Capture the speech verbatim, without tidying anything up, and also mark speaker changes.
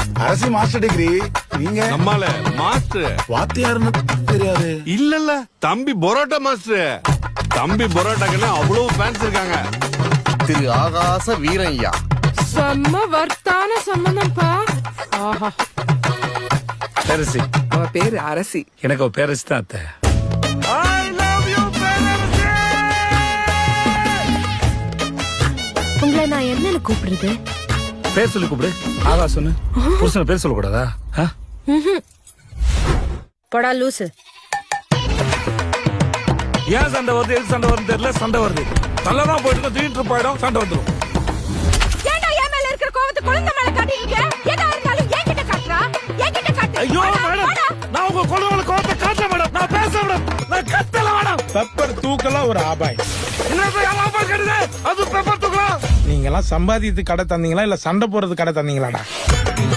Speaker 1: அரசி master degree. நீங்க
Speaker 2: நம்மால master
Speaker 1: வாத்தியாருன்னு தெரியாது.
Speaker 2: இல்ல இல்ல தம்பி பரோட்டா மாஸ்டர். தம்பி பரோட்டாக்குன்னு அவ்வளவு ஃபேன்ஸ் இருக்காங்க.
Speaker 3: திரு ஆகாச வீரய்யா.
Speaker 4: செம்ம வர்த்தான சம்பந்தம்ப்பா. ஆஹா.
Speaker 5: பேரரசி.
Speaker 4: அவ பேரு அரசி.
Speaker 5: எனக்கு அவ பேரரசி தான் அத்தை.
Speaker 6: உங்களை நான் என்னன்னு கூப்பிடுறது?
Speaker 5: பேர் சொல்லி கூப்பிடு. ஆகாசன்னு. புருஷன பேர் சொல்ல கூடாதா?
Speaker 6: படா லூசு.
Speaker 5: ஏன் சண்டை வருது, எது சண்டை வருது தெரியல. சண்டை வருது. நல்லதான் போயிட்டு திடீர்னு போயிடும், சண்டை வந்துடும்.
Speaker 6: ஏன்டா என் மேல இருக்கிற கோவத்தை குழந்தை மேல காட்டுறீங்க? எதா இருந்தாலும் என்கிட்ட காட்டுறா. என்கிட்ட காட்டு.
Speaker 5: ஐயோ மேடம், நான் உங்க குழந்தைகளை கோவத்தை காட்ட மேடம். நான் பேச மேடம். நான் கத்தல மேடம்.
Speaker 7: பெப்பர் தூக்கலாம் ஒரு ஆபாய்.
Speaker 5: என்ன ஆபாய் கட்டுது? அது பெப்பர் தூக்கலாம்.
Speaker 7: நீங்க எல்லாம் சம்பாதித்து கடை தந்தீங்களா இல்ல சண்டை போறது கடை தந்தீங்களாடா?